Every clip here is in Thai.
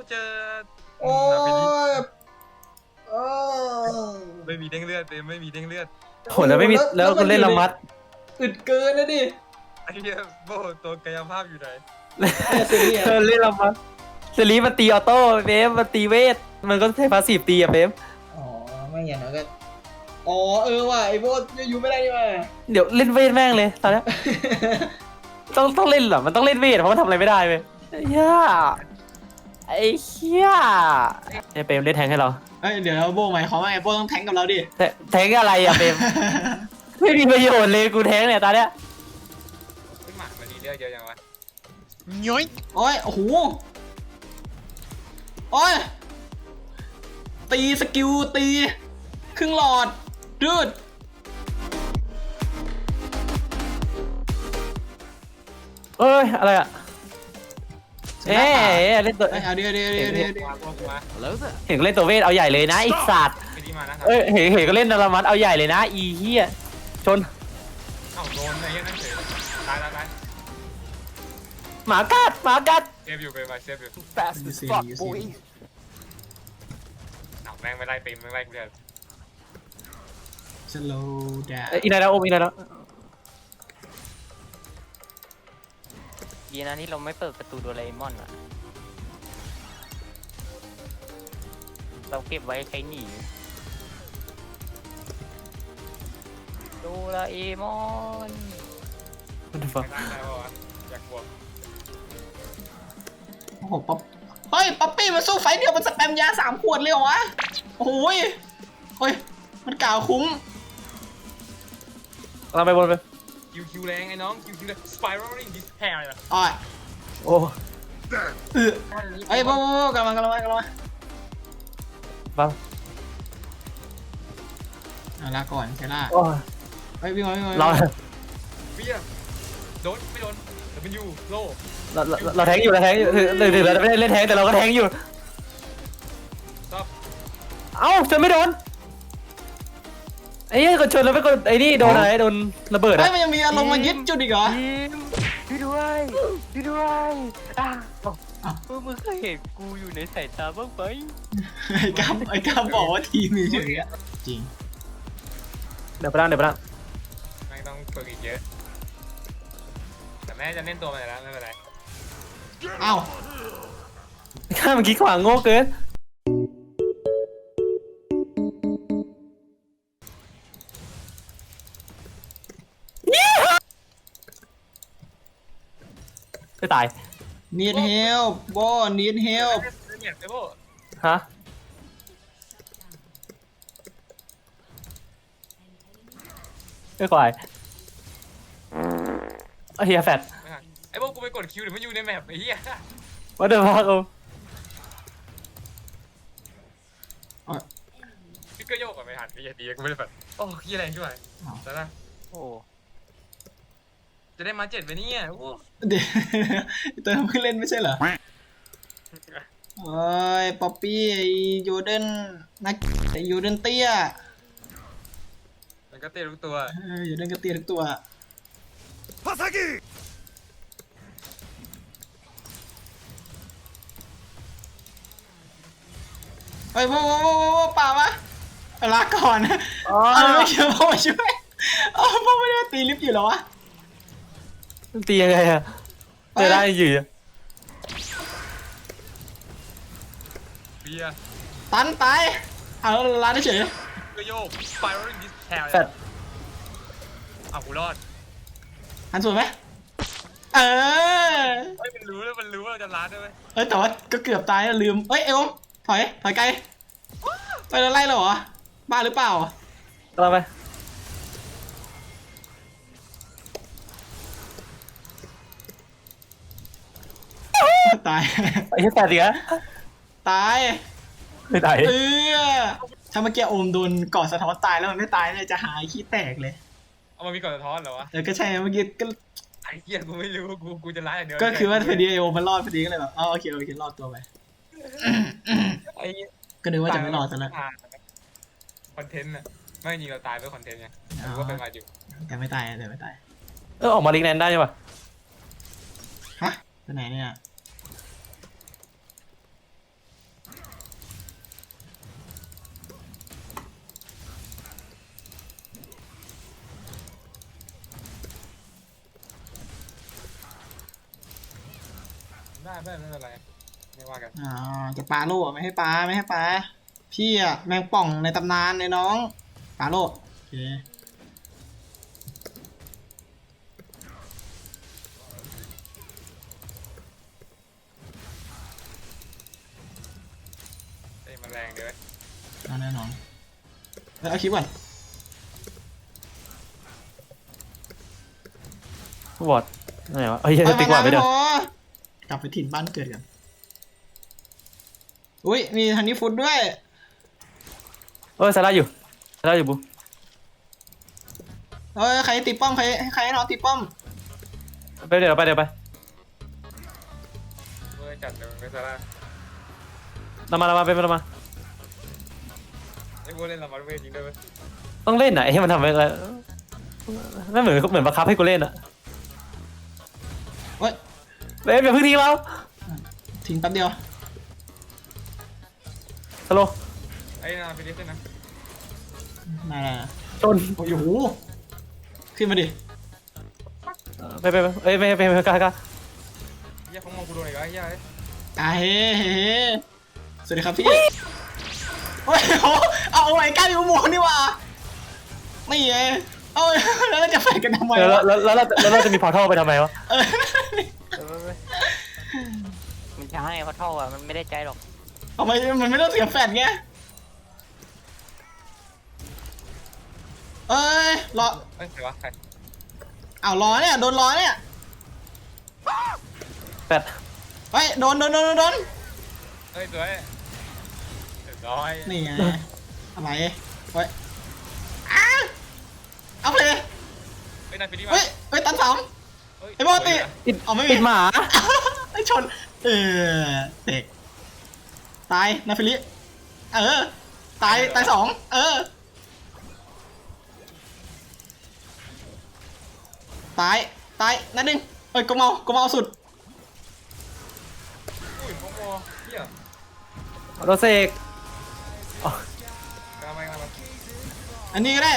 เจอโอ้ยไม่มีเด้งเลือดเต็มไม่มีเด้งเลือดโหแล้วไม่มีแล้วคุณเล่นละมัดอึดเกินนะดิไอ้เหี้ยโบตัวกายภาพอยู่ไหนเล่นละมัดเซรีมันตีออโต้เฟมมันตีเวทมันก็ใช้พาสซีฟตีอะเฟมอ๋อไม่อย่างนั้นก็อ๋อว่ะไอ้โบอยู่ไม่ได้นี่ว่ะเดี๋ยวเล่นเวทแม่งเลยตอนนี้ต้องเล่นเหรอมันต้องเล่นเวทเพราะมันทำอะไรไม่ได้เว้ยไอ้เหี้ยไอ้เปมเล่นแทงให้เราเดี๋ยวโบหมายความว่าไอ้โบต้องแทงกับเราดิแทงอะไรอะเปมไม่มีประโยชน์เลยกูแทงเนี่ยตอนเนี้ยไม่หมักมันดีเลือดเยอะยังวะย้อยโอ้ยโอ้โหโอ้ยตีสกิลตีครึ่งหลอดดืดเอ้ยอะไรอะเล่นตัวเอาเดี๋ยวเห็นเล่นตัวเวทเอาใหญ่เลยนะไอ้สัตว์เห็นก็เล่นละมัดเอาใหญ่เลยนะอีเหี้ยชนเอ้าโดนไอ้เหี้ยนั่นเฉยตายหมากัดเซฟอยู่ไปเซฟอยู่ fast as fuck boy เอ้าแม่งไม่ไล่เต็มไม่ไล่กูเลยสโลว์ดาวอีนายแล้วอีนายแล้วดีนะที่เราไม่เปิดประตูโดเรมอนอะเราเก็บไว้ใช้หนีโดราเอมอนมันจะฟังไม่ได้ป่าวะอยากบวกโอ้โหป๊อปเฮ้ยป๊อปปี้มาสู้ไฟเดียวมันสแปมยา3 ขวดเลยเหรอวะโอ้ยเฮ้ยมันกล่าวคุ้มเราไปบนไปคิวแรงไอ้น้องคิวแรง spiraling despair เลยอ้อยโอ้เฮ้ยโบกำลังบ้าลาก่อนใช่ล่ะเฮ้ยวิ่งเราเบี้ยโดนไม่โดนแต่เป็นยูโล่เราแทงอยู่ถึงเราไม่ได้เล่นแทงแต่เราก็แทงอยู่เอ้าชนไม่โดนไอ้กดชนแล้วไปกดไอ้นี่โดนอะไรโดนระเบิดอะมันยังมีอารมณ์มายึดจุดอีกเหรอช่วยด้วยมึงเคยเห็นกูอยู่ในสายตาบ้างไหมไอ้กัมบอกว่าทีมมีเฉยอะจริงเดี๋ยวไปนั่งไม่ต้องฝึกอีกเยอะแต่แม่จะเล่นตัวมาแล้วไม่เป็นไรอ้าวข้ามันคิดขวางโง่เกินไม่ตาย need help โบ need help ฮะไม่ควายเฮียแฟดไอ้พวกกูไปกดคิวเดี๋ยวมันอยู่ในแมปไอ้เหี้ยว่าเดี๋ยวพักเอาพี่ก็โยกก่อนไม่ทันไอ้เหี้ยดีกูไม่ได้แบบโอ้ขี้แรงช่วยแต่ละโอ้จะได้มา7ไปเนี่ยโอ้เดี๋ยวตัวเพิ่งเล่นไม่ใช่เหรอโอ้ยป๊อปปี้โยเดนนักโยเดนเตี้ยมันก็เตี้ยทุกตัวโยเดนก็เตี้ยทุกตัวพาซากิเฮ้ยโว้ป่าวะลาก่อนไม่เกี่ยวพ่อช่วยพ่อไม่ได้ตีลิฟต์อยู่หรอวะตียังไงอะจะได้อยู่เบียตันตายเอาล้านเฉยก็โยก spiraling despair แฟดเอากูรอดหันสวยไหมมันรู้แล้วมันรู้ว่าจะล้านด้วยแต่ว่าก็เกือบตายแล้วลืมเอวถอยไกลไปแล้วไล่เราเหรอบ้าหรือเปล่าเราไปตายไอ้แฟดดิฮะตายไม่ตายถ้าเมื่อกี้โอมโดนกอดสะท้อนตายแล้วมันไม่ตายเลยจะหายขี้แตกเลยเอามันมีกอดสะท้อนเหรอวะก็ใช่เมื่อกี้ก็ไอ้เหี้ยกูไม่รู้กูจะร้ายอย่างเดียวก็คือว่าพอดีโอมมันรอดพอดีก็เลยแบบโอเครอดตัวไปไอ้ก็นึกว่าจะไม่รอดซะแล้วคอนเทนต์น่ะไม่จริงเราตายเพื่อคอนเทนต์ไงหรือว่าเป็นมาอยู่แต่ไม่ตายออกมาลิงแนนได้ใช่ปะฮะไปไหนเนี่ยได้เพื่อนไม่เป็นไรไม่ว่ากันจะปาโล่ไม่ให้ปาไม่ให้ปาพี่อะแมงป่องในตำนานในน้องปาโล่โอเคเอ้ยมันแรงเดี๋ยวเอาแน่นอนเอาคลิปก่อนวอดไหนวะเฮ้ยติ๊กวอดไปเด้อกลับไปถิ่นบ้านเกิดกันอุ้ยมีฮันนี่ฟูดด้วยเอ้ยซาร่าอยู่บุ๊ใครตีป้อมใครให้น้องตีป้อมไปเดี๋ยวไปเว้ยจัดเลยไม่ซาร่าเรามาเป็นเรามาไอ้พวกเล่นละครเวทจริงด้วยเว้ยต้องเล่นไหนให้มันทำอะไรไม่เหมือนบังคับให้กูเล่นอะโอ้ยเล่นอย่าเพิ่งทิ้งเราทิ้งแป๊บเดียวสโลไอ้นาไปดิสนะมาชนโอ้โหขึ้นมาดิไปเอ้ยไม่กล้าเฮียเขามองกูโดนอีกแล้วเฮียเฮ้สวัสดีครับพี่โอ้ยเอาไอ้ก้าอยู่หมวกนี่ว่ะนี่ไงเอาแล้วจะแฝงกันทำไมแล้ววะเราจะมีพอร์ทัลไปทำไมวะเว้ยมันช้าไงเพราะเท่าอ่ะมันไม่ได้ใจหรอกทำไมมันไม่ต้องเสียแฟดไงรอเอ้ยใครวะใครอ้าวรอเนี่ยโดนรอเนี่ยแปดเฮ้ยโดนเอ้ยสวยเรียบร้อยนี่ไงอะไรเฮ้ยเอาเลยเฮ้ยนายไปดิมาเฮ้ยตันสามไอ้บอติเอาไม่มีปิดหมาไอ้ชนเตกตายนาฟิลิตายสองตายนั่นหนึ่งกเมาสุดอุ้ยโมโมเฮียโรเซกกำลังมาอันนี้ก็ได้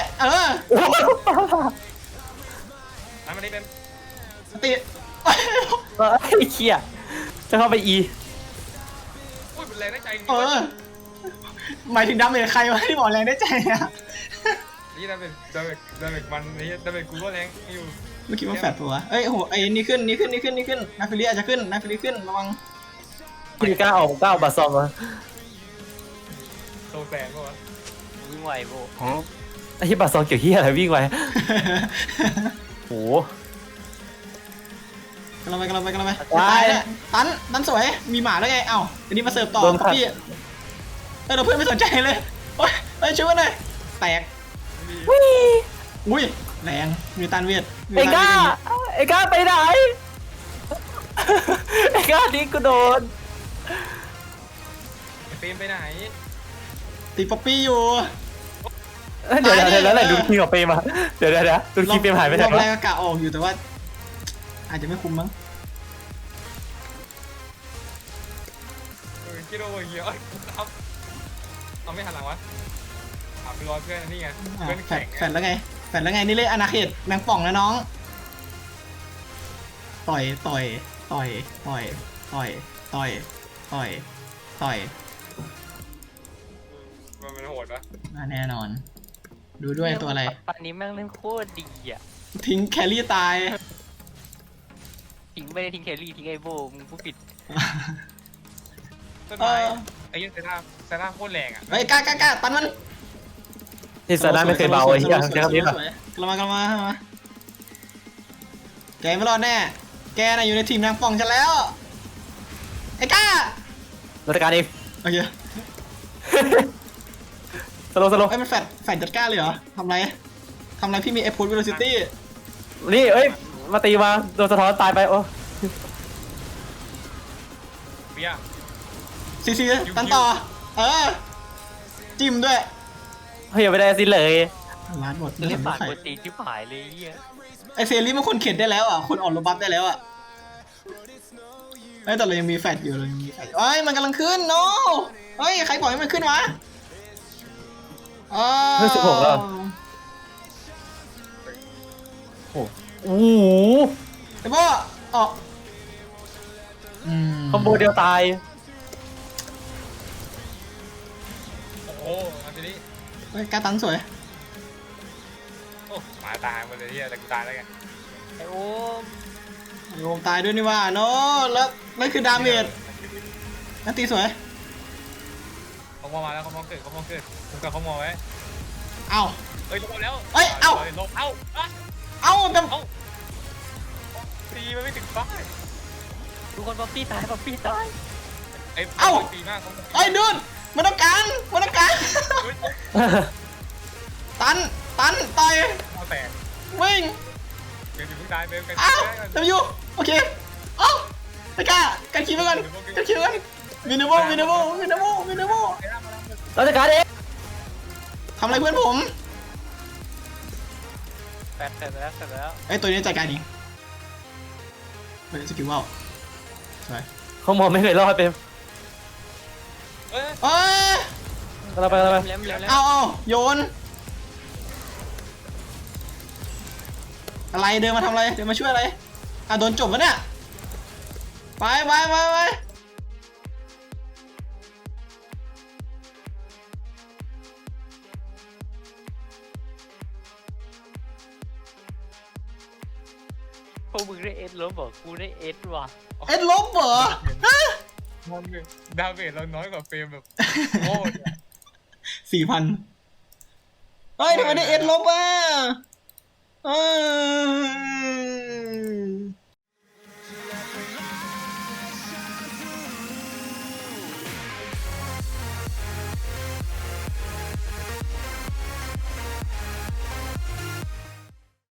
น้ำมันนี่เป็นสติไอ้เขี้ยจะเข้าไปอีอุ้ยเป็นแรงได้ใจจริงหมายถึงดาเมจใครวะที่บอกแรงได้ใจอะนี่ดาเมจมันนี่ดาเมจกูก็แรงอยู่เมื่อกี้มันแฟดปะวะโหไอ้นี่ขึ้นนาฟิลิอาจจะขึ้นนาฟิลิขึ้นระวังพี่กล้าออกบัตรซองวะโตแสงก็วะวิ่งไหวโบไอ้ที่บัตรซองเกี่ยวเหี้ยอะไรวิ่งไปโหกำลังไปตายเนี่ยตันสวยมีหมาแล้วไงเอ้าอันนี้มาเสิร์ฟต่อพี่เราเพื่อนไม่สนใจเลยโอ้ยช่วยหน่อยแตกอุ้ยแรงมีตันเวทไอ้กล้าไปไหนไอ้กล้านี่กูโดนไอ้เฟรมไปไหนตีป๊อปปี้อยู่เดี๋ยวแล้วไหนดูคีกับเปมาเดี๋ยวดูคีเปมหายไปไหนรอบแรกวะก็กะออกอยู่แต่ว่า อาจจะไม่คุ้มมั้งคิดว่าเฮียเอาไม่หันหลังวะถามไปรอเพื่อนนี่ไงเพื่อนแฟแข่ดงแล้วไงนี่เลยอนาเขตแมงป่องนะน้องต่อยมันโหดปะแน่นอน ดูด้วยตัวอะไรปันนี้แม่งเล่นโคตรดีอ่ะทิ้งแครี่ตายทิ้งไม่ได้ทิ้งแครี่ทิ้งไอโบมึงผู้ผิดต้นไม้ไอ้ยังเซน่าโคตรแรงอ่ะเฮ้ยกล้าตันมันที่ซาด้าไม่เคยเบาไอ้เหี้ยใช้คำนี้ป่ะกลับมาแกไม่รอดแน่แกน่ะอยู่ในทีมนางป่องฉันแล้วไอ้ก้ารัฐการเองโอเคสโลไอ้มันแฟดจัดก้าเลยเหรอทำไรพี่มีเอฟพูดเวโรซิตี้นี่เอ้ยมาตีมาโดนสะท้อนตายไปโอ้เปียซีตันต่อจิ้มด้วยเฮ้ยไม่ได้สิเลยร้านหมดเล่นไม่ผ่านใครปกติที่หายเลยเฮียไอเซรีมันคนเข็ดได้แล้วอ่ะคนออกโรบัฟได้แล้วอ่ะแต่เรายังมีแฟดอยู่เอ้ยมันกำลังขึ้นโนเฮ้ยใครปล่อยให้มันขึ้นวะเฮ้ย16แล้วโอ้โหไอ้พ่อออกคอมโบเดียวตายโอ้โหเอาทีนี้เฮ้ยการตันสวยโอ้หมาตายหมดเลยเฮียแต่กูตายแล้วไงไอ้โอ้มโยมตายด้วยนี่ว่าโนแล้วนั่นคือดาเมจนั่นตีสวยเขามองมาแล้วเขามองเกิดเขามองเกิดกูกับเขามองไว้เอ้าเอ้ยลงแล้วเอ้ยเอ้าลงเอ้าอ่ะเอ้าแต่ตีมันไม่ถึงป้ายทุกคนป๊อปปี้ตายป๊อปปี้ตายไอ้ตีมากเขาไอ้ยดูนมันต้องการมันต้องการตันต่อยเขาแตกวิ่งเบลอยู่เพิ่งตายเบลกันอ้าวทำอยู่โอเคเอ้าไม่กล้ากันคิวไปก่อนกันคิวกันวินเดอร์โบว์เราจะการเองทำอะไรเพื่อนผมแปดเสร็จแล้วไอ้ตัวนี้จัดการเองเฮ้ยสกิลว่าวสวยเขามองไม่เคยรอดเปมเอ้ยเอ้ยเราไปเร็วเอาโยนอะไรเดินมาทำอะไรเดินมาช่วยอะไรอ่ะโดนจบวะเนี่ยไปพวกมึงได้เอสลบเหรอกูได้เอสว่ะเอ็ดลบเหรอฮะมันดาเมจเราน้อยกว่าเฟรมแบบโอ้ 4,000เฮ้ยทำไมได้เอ็ดลบอ่ะ